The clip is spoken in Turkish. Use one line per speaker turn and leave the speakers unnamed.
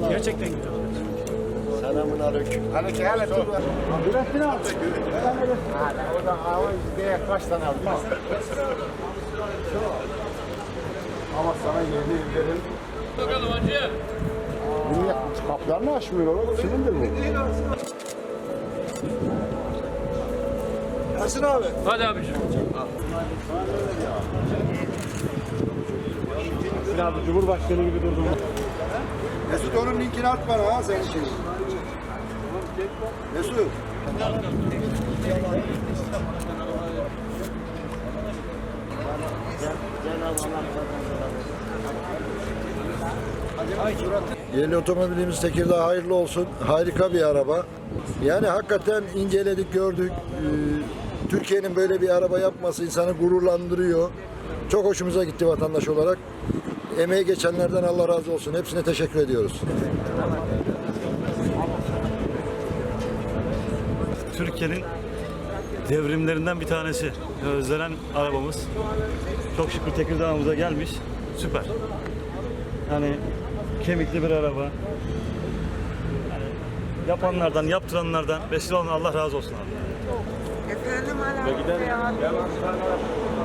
Gerçekten güzel.
Selamun aleyküm.
Aleyküm. Hele dur.
Nurettin abi.
O da hava yüzdeye kaç tane aldı? Ama sana yeni evlerin.
Bakalım hacı.
Niye kaplarını açmıyor oğlum? Kimindir bu?
Yasin abi.
Hadi abiciğim.
Abi Cumhurbaşkanı gibi durdum.
Mesut onun linkini at bana ha senin şeyin. Mesut. Yeni otomobilimiz Tekirdağ hayırlı olsun. Harika bir araba. Yani hakikaten inceledik, gördük. Türkiye'nin böyle bir araba yapması insanı gururlandırıyor. Çok hoşumuza gitti vatandaş olarak. Emeği geçenlerden Allah razı olsun. Hepsine teşekkür ediyoruz.
Türkiye'nin devrimlerinden bir tanesi. Özlenen arabamız. Çok şükür Tekirdağ'ımıza gelmiş. Süper. Yani kemikli bir araba. Yani yapanlardan, yaptıranlardan, vesile olan Allah razı olsun abi.
Efendim hala.